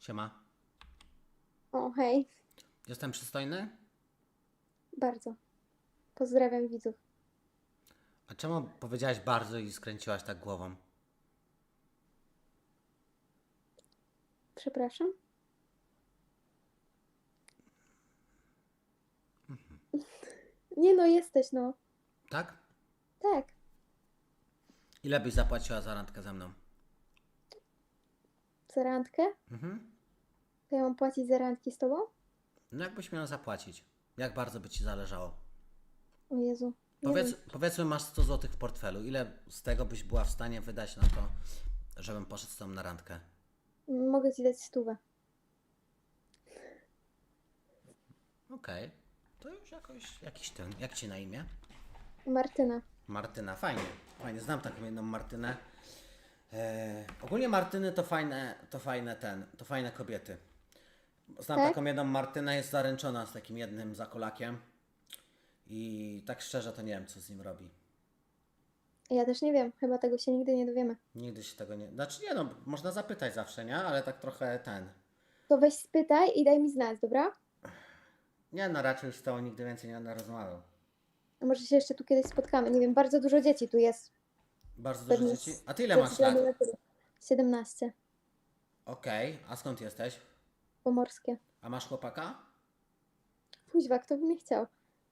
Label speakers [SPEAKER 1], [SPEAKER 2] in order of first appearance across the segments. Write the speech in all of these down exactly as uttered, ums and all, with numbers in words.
[SPEAKER 1] Siema.
[SPEAKER 2] O, hej.
[SPEAKER 1] Jestem przystojny?
[SPEAKER 2] Bardzo. Pozdrawiam widzów.
[SPEAKER 1] A czemu powiedziałaś bardzo i skręciłaś tak głową?
[SPEAKER 2] Przepraszam? Nie no, jesteś no.
[SPEAKER 1] Tak?
[SPEAKER 2] Tak.
[SPEAKER 1] Ile byś zapłaciła za randkę ze mną?
[SPEAKER 2] Za randkę?
[SPEAKER 1] Mhm.
[SPEAKER 2] To ja mam płacić za randki z tobą?
[SPEAKER 1] No jakbyś miała zapłacić? Jak bardzo by ci zależało?
[SPEAKER 2] O Jezu. Nie
[SPEAKER 1] Powiedz,
[SPEAKER 2] wiem.
[SPEAKER 1] powiedzmy masz sto złotych w portfelu. Ile z tego byś była w stanie wydać na to, żebym poszedł z tobą na randkę?
[SPEAKER 2] Mogę ci dać stówę.
[SPEAKER 1] Okej. To już jakoś, jakiś ten. Jak ci na imię?
[SPEAKER 2] Martyna.
[SPEAKER 1] Martyna. Fajnie. Fajnie. Znam taką jedną Martynę. Eee, ogólnie Martyny to fajne, to fajne ten, to fajne kobiety. Znam
[SPEAKER 2] Tak?
[SPEAKER 1] taką jedną Martynę, jest zaręczona z takim jednym zakolakiem. I tak szczerze to nie wiem, co z nim robi.
[SPEAKER 2] Ja też nie wiem. Chyba tego się nigdy nie dowiemy.
[SPEAKER 1] Nigdy się tego nie... Znaczy nie no, można zapytać zawsze, nie? Ale tak trochę ten...
[SPEAKER 2] To weź spytaj i daj mi znać, dobra?
[SPEAKER 1] Nie no, raczej już z tobą nigdy więcej nie będę rozmawiał.
[SPEAKER 2] A może się jeszcze tu kiedyś spotkamy. Nie wiem, bardzo dużo dzieci tu jest.
[SPEAKER 1] Bardzo dużo
[SPEAKER 2] Pewnie
[SPEAKER 1] dzieci.
[SPEAKER 2] z-
[SPEAKER 1] A ty ile
[SPEAKER 2] ze
[SPEAKER 1] masz lat?
[SPEAKER 2] względu na tyle. siedemnaście.
[SPEAKER 1] Okej, a skąd jesteś?
[SPEAKER 2] Pomorskie.
[SPEAKER 1] A masz chłopaka?
[SPEAKER 2] Kuźwa, kto by nie chciał?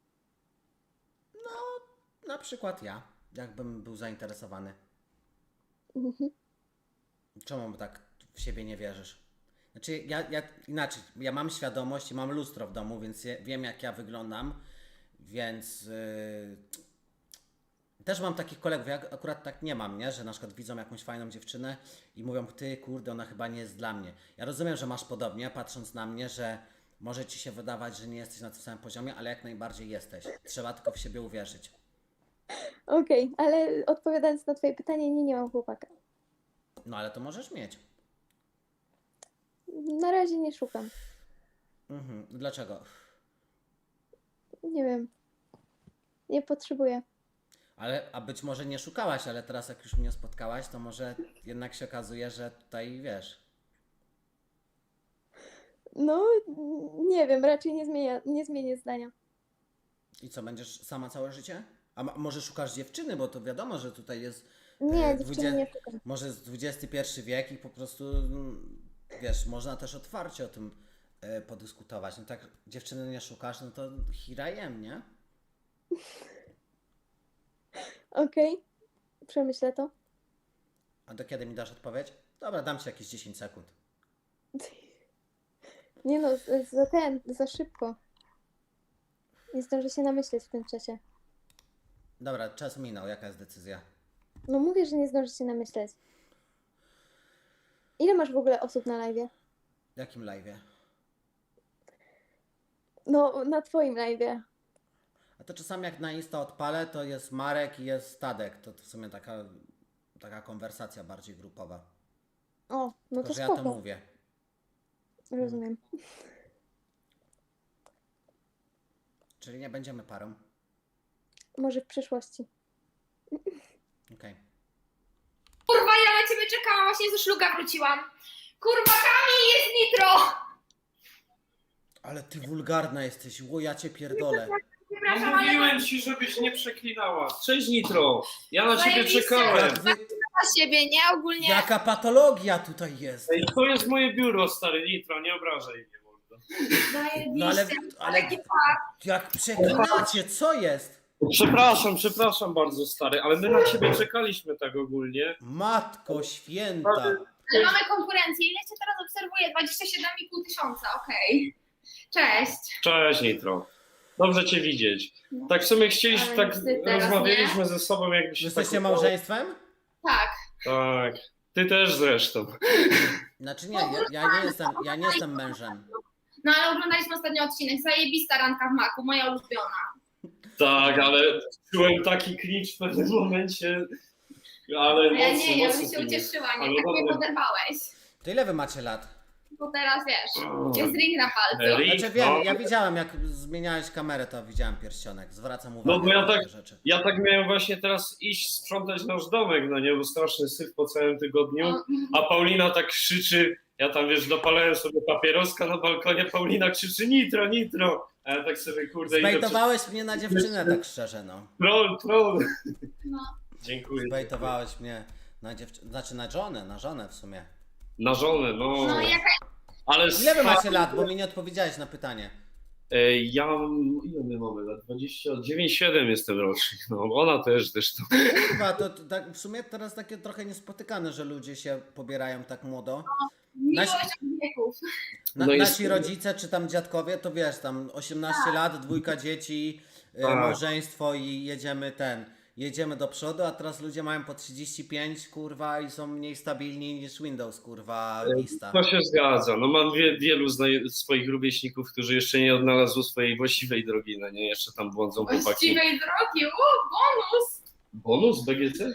[SPEAKER 1] Na przykład ja, jakbym był zainteresowany.
[SPEAKER 2] Mhm.
[SPEAKER 1] Czemu tak w siebie nie wierzysz? Znaczy, ja, ja inaczej, ja mam świadomość i mam lustro w domu, więc je, wiem, jak ja wyglądam, więc yy, też mam takich kolegów, ja akurat tak nie mam, nie? Że na przykład widzą jakąś fajną dziewczynę i mówią, ty, kurde, ona chyba nie jest dla mnie. Ja rozumiem, że masz podobnie, patrząc na mnie, że może ci się wydawać, że nie jesteś na tym samym poziomie, ale jak najbardziej jesteś. Trzeba tylko w siebie uwierzyć.
[SPEAKER 2] Okej, ale odpowiadając na twoje pytanie, nie, nie mam chłopaka.
[SPEAKER 1] No ale to możesz mieć.
[SPEAKER 2] Na razie nie szukam.
[SPEAKER 1] Mhm. Dlaczego?
[SPEAKER 2] Nie wiem. Nie potrzebuję.
[SPEAKER 1] Ale, a być może nie szukałaś, ale teraz jak już mnie spotkałaś, to może jednak się okazuje, że tutaj wiesz.
[SPEAKER 2] No, nie wiem, raczej nie zmienię, nie zmienię zdania.
[SPEAKER 1] I co, będziesz sama całe życie? A ma, może szukasz dziewczyny, bo to wiadomo, że tutaj jest
[SPEAKER 2] Nie,
[SPEAKER 1] e,
[SPEAKER 2] dziewczyny
[SPEAKER 1] dwudzie-
[SPEAKER 2] nie szukam.
[SPEAKER 1] może jest dwudziesty pierwszy wiek i po prostu mm, wiesz, można też otwarcie o tym e, podyskutować. No tak dziewczyny nie szukasz, no to hirajem, nie?
[SPEAKER 2] Okej, przemyślę to.
[SPEAKER 1] A do kiedy mi dasz odpowiedź? Dobra, dam ci jakieś dziesięć sekund.
[SPEAKER 2] Nie no, z- za ten, za szybko. Nie zdążę się namyśleć w tym czasie.
[SPEAKER 1] Dobra, czas minął, jaka jest decyzja?
[SPEAKER 2] No mówię, że nie zdążę się namyśleć. Ile masz w ogóle osób na live?
[SPEAKER 1] W jakim live'ie?
[SPEAKER 2] No, na twoim live.
[SPEAKER 1] A to czasami jak na Insta odpalę, to jest Marek i jest Tadek. To, to w sumie taka, taka konwersacja bardziej grupowa.
[SPEAKER 2] O, no
[SPEAKER 1] Tylko,
[SPEAKER 2] to
[SPEAKER 1] że ja
[SPEAKER 2] spoko.
[SPEAKER 1] to mówię.
[SPEAKER 2] Rozumiem.
[SPEAKER 1] Czyli nie będziemy parą.
[SPEAKER 2] Może w przyszłości.
[SPEAKER 1] Okej.
[SPEAKER 3] Kurwa, ja na ciebie czekałam, właśnie ze szluga wróciłam. Kurwa, Kamil, jest nitro!
[SPEAKER 1] Ale ty wulgarna jesteś, ło ja cię pierdolę.
[SPEAKER 3] Przepraszam,
[SPEAKER 4] No
[SPEAKER 3] ale
[SPEAKER 4] mówiłem ci, żebyś nie przeklinała. Cześć Nitro, ja na ciebie
[SPEAKER 3] Zajebiście.
[SPEAKER 4] czekałem.
[SPEAKER 1] Jak wy,
[SPEAKER 3] na siebie, nie? Ogólnie.
[SPEAKER 1] jaka patologia tutaj jest.
[SPEAKER 4] Ej, to jest moje biuro, stary Nitro, nie obrażaj mnie mordo.
[SPEAKER 3] Zajebiście.
[SPEAKER 1] No ale, ale
[SPEAKER 3] Taki fakt.
[SPEAKER 1] jak przeklinacie, co jest?
[SPEAKER 4] Przepraszam, przepraszam bardzo stary, ale my na ciebie czekaliśmy tak ogólnie.
[SPEAKER 1] Matko święta.
[SPEAKER 3] Ale mamy konkurencję. Ile cię teraz obserwuję? dwadzieścia siedem i pół tysiąca, okej. Cześć.
[SPEAKER 4] Cześć Nitro, dobrze cię widzieć. Tak w sumie chcieliśmy,
[SPEAKER 3] Ale
[SPEAKER 4] tak
[SPEAKER 3] ty teraz
[SPEAKER 4] rozmawialiśmy ze sobą jakby się
[SPEAKER 1] Jesteście
[SPEAKER 4] tak...
[SPEAKER 1] małżeństwem?
[SPEAKER 3] Tak.
[SPEAKER 4] Tak, ty też zresztą.
[SPEAKER 1] Znaczy nie, ja, ja nie jestem, ja nie jestem mężem.
[SPEAKER 3] No ale oglądaliśmy ostatni odcinek. Zajebista randka w maku, moja ulubiona.
[SPEAKER 4] Tak, ale czułem taki cringe w pewnym momencie. Ale
[SPEAKER 3] A ja
[SPEAKER 4] mocno,
[SPEAKER 3] nie, ja
[SPEAKER 4] mocno
[SPEAKER 3] bym się
[SPEAKER 4] cringe.
[SPEAKER 3] ucieszyła, nie?
[SPEAKER 4] Ale
[SPEAKER 3] Tak mnie
[SPEAKER 4] dobra.
[SPEAKER 3] poderwałeś.
[SPEAKER 1] To ile wy macie lat?
[SPEAKER 3] bo teraz wiesz, jest ring na palcu.
[SPEAKER 4] Ring,
[SPEAKER 1] Znaczy wiem,
[SPEAKER 4] no.
[SPEAKER 1] ja widziałem jak zmieniałeś kamerę, to widziałem pierścionek. Zwracam uwagę
[SPEAKER 4] No bo ja
[SPEAKER 1] na
[SPEAKER 4] tak-
[SPEAKER 1] takie rzeczy.
[SPEAKER 4] Ja tak miałem właśnie teraz iść sprzątać nasz domek, no nie, bo straszny syf po całym tygodniu,
[SPEAKER 3] No,
[SPEAKER 4] a Paulina tak krzyczy, ja tam wiesz, dopalałem sobie papieroska na balkonie, Paulina krzyczy nitro, nitro, a ja tak sobie kurde idę przez...
[SPEAKER 1] Zbejtowałeś mnie na dziewczynę tak szczerze, no.
[SPEAKER 4] Troll, troll.
[SPEAKER 3] no.
[SPEAKER 4] Dziękuję.
[SPEAKER 1] Zbejtowałeś mnie na dziewczynę, znaczy na żonę, na żonę w sumie.
[SPEAKER 4] Na żonę, no.
[SPEAKER 3] No i jaka
[SPEAKER 4] Ale
[SPEAKER 1] Ile wy
[SPEAKER 4] spa-
[SPEAKER 1] macie lat, bo mi nie odpowiedziałeś na pytanie.
[SPEAKER 4] E, Ja mam, ile my mamy lat? dwadzieścia dziewięć, siedem jestem rocznik, no ona też zresztą.
[SPEAKER 1] Kurwa, to, to tak w sumie teraz takie trochę niespotykane, że ludzie się pobierają tak młodo.
[SPEAKER 3] miłość od wieków.
[SPEAKER 1] Na,
[SPEAKER 4] No jest-
[SPEAKER 1] Nasi rodzice czy tam dziadkowie, to wiesz, tam osiemnaście lat, dwójka dzieci, y,
[SPEAKER 4] Tak.
[SPEAKER 1] małżeństwo i jedziemy ten, jedziemy do przodu, a teraz ludzie mają po trzydzieści pięć, kurwa, i są mniej stabilni niż Windows, kurwa, lista.
[SPEAKER 4] To się zgadza. No mam wie, wielu zna- swoich rówieśników, którzy jeszcze nie odnalazły swojej właściwej drogi, no nie, jeszcze tam błądzą chłopaki.
[SPEAKER 3] Właściwej drogi, u, bonus!
[SPEAKER 4] Bonus B G C?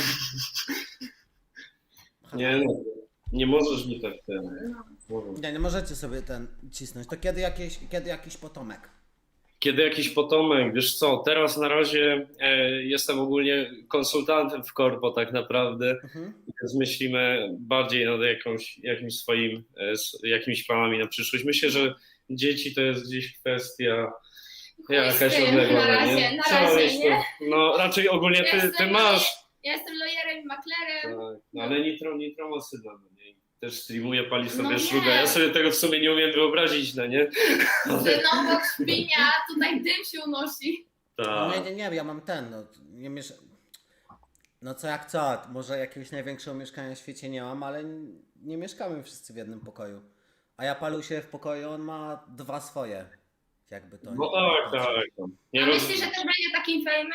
[SPEAKER 4] Nie no, nie możesz mi tak ten.
[SPEAKER 1] Nie, nie możecie sobie ten cisnąć. To kiedy, jakieś, kiedy jakiś potomek?
[SPEAKER 4] Kiedy jakiś potomek, wiesz co, teraz na razie e, jestem ogólnie konsultantem w korpo tak naprawdę,
[SPEAKER 1] Mhm.
[SPEAKER 4] więc myślimy bardziej nad jakąś, jakimś swoim, e, s- jakimiś planami na przyszłość. Myślę, że dzieci to jest gdzieś kwestia jakaś
[SPEAKER 3] Chuj z tym,
[SPEAKER 4] odległa,
[SPEAKER 3] na razie,
[SPEAKER 4] nie?
[SPEAKER 3] na
[SPEAKER 4] Trzeba
[SPEAKER 3] razie,
[SPEAKER 4] mieć to-
[SPEAKER 3] nie?
[SPEAKER 4] No raczej ogólnie ty, ty
[SPEAKER 3] Jestem
[SPEAKER 4] masz,
[SPEAKER 3] Ja jestem lawyer i maklerem.
[SPEAKER 4] tak, no, ale Nitro, Nitro ma syna, no nie? Też streamuje, pali sobie
[SPEAKER 3] No nie.
[SPEAKER 4] szluga. Ja sobie tego w sumie nie umiem wyobrazić, no nie?
[SPEAKER 3] Że no bo świnia, tutaj dym się unosi.
[SPEAKER 1] No nie,
[SPEAKER 4] Tak.
[SPEAKER 1] nie, nie, ja mam ten, no, nie miesz... No co jak co, może jakiegoś największego mieszkania w świecie nie mam, ale n- nie mieszkamy wszyscy w jednym pokoju. A ja palu się w pokoju, on ma dwa swoje. Jakby to
[SPEAKER 4] No
[SPEAKER 1] nie-
[SPEAKER 4] tak,
[SPEAKER 1] nie
[SPEAKER 4] tak. no. Nie
[SPEAKER 3] A
[SPEAKER 4] roz-
[SPEAKER 3] myślisz, że też będzie takim fejmem?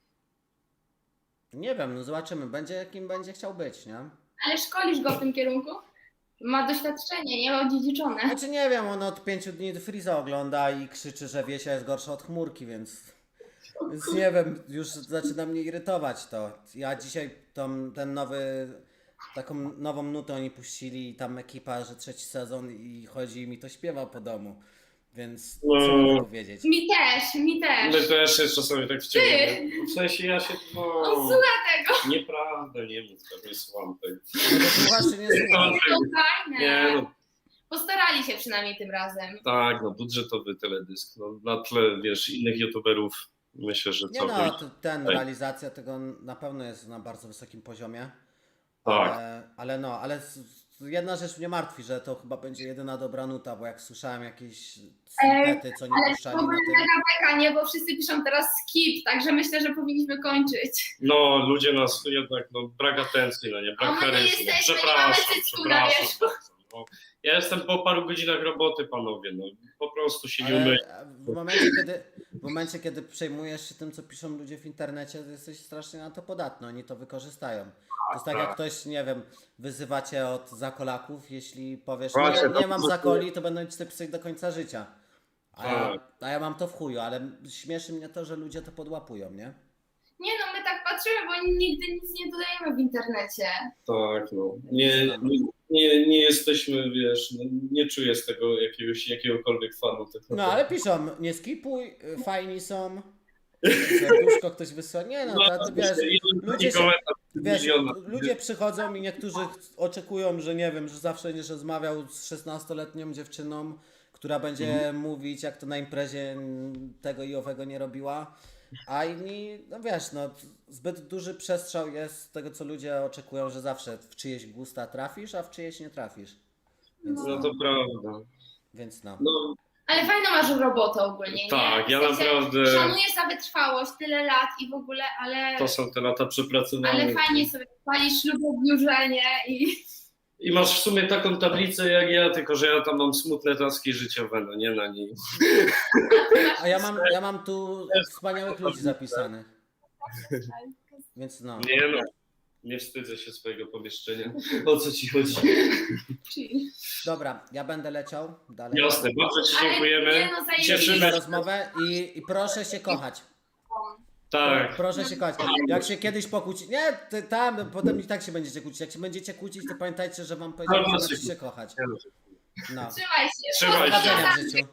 [SPEAKER 1] Nie wiem, no zobaczymy, będzie jakim będzie chciał być, nie?
[SPEAKER 3] Ale szkolisz go w tym kierunku? Ma doświadczenie, nie odziedziczone.
[SPEAKER 1] Znaczy nie wiem, on od pięciu dni Freeza ogląda i krzyczy, że Wiesia jest gorsza od chmurki, więc... Więc nie wiem, już zaczyna mnie irytować to. Ja dzisiaj tą, ten nowy, taką nową nutę oni puścili i tam ekipa, że trzeci sezon i chodzi i mi to śpiewa po domu. Więc co
[SPEAKER 4] No.
[SPEAKER 1] mogę powiedzieć?
[SPEAKER 3] Mi też, mi też.
[SPEAKER 4] My też jest czasami tak wciągamy. W sensie ja się... No,
[SPEAKER 3] On słucha tego.
[SPEAKER 4] nieprawda, nie mów tak, nie słucham tego.
[SPEAKER 1] No to słuchasz czy nie słuchasz?
[SPEAKER 3] To fajne.
[SPEAKER 4] Nie no,
[SPEAKER 3] Postarali się przynajmniej tym razem.
[SPEAKER 4] tak, no budżetowy teledysk. No, na tle, wiesz, innych youtuberów myślę, że
[SPEAKER 1] Nie
[SPEAKER 4] co
[SPEAKER 1] no, to ten,
[SPEAKER 4] Tak.
[SPEAKER 1] realizacja tego na pewno jest na bardzo wysokim poziomie.
[SPEAKER 4] Tak.
[SPEAKER 1] Ale, ale no, ale s- s- jedna rzecz mnie martwi, że to chyba będzie jedyna dobra nuta, bo jak słyszałem jakieś snippety, co nie
[SPEAKER 3] Ale
[SPEAKER 1] puszczali
[SPEAKER 3] to
[SPEAKER 1] na
[SPEAKER 3] będzie
[SPEAKER 1] tym.
[SPEAKER 3] mega beka, nie? Bo wszyscy piszą teraz skip, także myślę, że powinniśmy kończyć.
[SPEAKER 4] No, ludzie nas jednak, no, brak atencji, no nie,
[SPEAKER 3] A my
[SPEAKER 4] brak
[SPEAKER 3] nie
[SPEAKER 4] charyzmy.
[SPEAKER 3] jesteśmy, nie mamy
[SPEAKER 4] Przepraszam,
[SPEAKER 3] cycku na
[SPEAKER 4] przepraszam
[SPEAKER 3] wierzchu.
[SPEAKER 4] bardzo. No, ja jestem po paru godzinach roboty, panowie, no, po prostu się nie umyję.
[SPEAKER 1] Ale w momencie, kiedy, w momencie, kiedy przejmujesz się tym, co piszą ludzie w internecie, to jesteś strasznie na to podatny, oni to wykorzystają. To jest tak, jak
[SPEAKER 4] tak.
[SPEAKER 1] ktoś, nie wiem, wyzywa cię od zakolaków, jeśli powiesz,
[SPEAKER 4] Właśnie,
[SPEAKER 1] nie,
[SPEAKER 4] to
[SPEAKER 1] nie mam
[SPEAKER 4] po prostu-
[SPEAKER 1] zakoli, to będą ci to pisać do końca życia. A ja,
[SPEAKER 4] Tak.
[SPEAKER 1] a ja mam to w chuju, ale śmieszy mnie to, że ludzie to podłapują, nie?
[SPEAKER 3] Nie no, my tak patrzymy, bo nigdy nic nie dodajemy w internecie.
[SPEAKER 4] Tak, no. Nie, nie, nie, nie jesteśmy, wiesz, no, nie czuję z tego jakiegoś, jakiegokolwiek fanu. Tak
[SPEAKER 1] No
[SPEAKER 4] naprawdę.
[SPEAKER 1] ale piszą, nie skipuj, y, fajni są, serduszko ktoś wysyła, nie no, to, to wiesz,
[SPEAKER 4] jeden
[SPEAKER 1] ludzie się-
[SPEAKER 4] komentarz
[SPEAKER 1] wiesz,
[SPEAKER 4] miliona.
[SPEAKER 1] ludzie przychodzą i niektórzy ch- oczekują, że nie wiem, że zawsze będziesz rozmawiał z szesnastoletnią dziewczyną, która będzie
[SPEAKER 4] Mhm.
[SPEAKER 1] mówić, jak to na imprezie mm, tego i owego nie robiła, a inni, no wiesz, no zbyt duży przestrzał jest z tego, co ludzie oczekują, że zawsze w czyjeś gusta trafisz, a w czyjeś nie trafisz. Więc
[SPEAKER 4] No
[SPEAKER 1] no,
[SPEAKER 4] to prawda.
[SPEAKER 1] więc no.
[SPEAKER 4] No,
[SPEAKER 3] Ale fajną masz robotę ogólnie, nie?
[SPEAKER 4] tak, ja
[SPEAKER 3] W sensie
[SPEAKER 4] naprawdę,
[SPEAKER 3] Szanuję za wytrwałość, tyle lat i w ogóle, ale,
[SPEAKER 4] to są te lata przepracowane.
[SPEAKER 3] ale fajnie sobie palisz ślubobliurzenie i...
[SPEAKER 4] I masz w sumie taką tablicę jak ja, tylko że ja tam mam smutne taski życiowe, no nie na niej.
[SPEAKER 1] A ja mam, ja mam tu wspaniałych ludzi zapisanych. Więc no.
[SPEAKER 4] Nie no, nie wstydzę się swojego pomieszczenia. O co ci chodzi?
[SPEAKER 3] Chill.
[SPEAKER 1] Dobra, ja będę leciał dalej.
[SPEAKER 4] Jasne, bardzo ci
[SPEAKER 3] Ale
[SPEAKER 4] dziękujemy.
[SPEAKER 3] nie no, zajebiście.
[SPEAKER 4] Cieszymy
[SPEAKER 1] za
[SPEAKER 4] się.
[SPEAKER 1] rozmowę i, i proszę się kochać.
[SPEAKER 4] Tak,
[SPEAKER 1] Proszę się kochać. Jak się kiedyś pokłóci. Nie, ty, tam, potem i tak się będziecie kłócić. Jak się będziecie kłócić, to pamiętajcie, że wam powiedziałem, że
[SPEAKER 4] Dobra,
[SPEAKER 1] macie
[SPEAKER 4] się-
[SPEAKER 1] się kochać. No.
[SPEAKER 3] Trzymaj się.
[SPEAKER 4] Trzymaj się.
[SPEAKER 1] Powodzenia w życiu.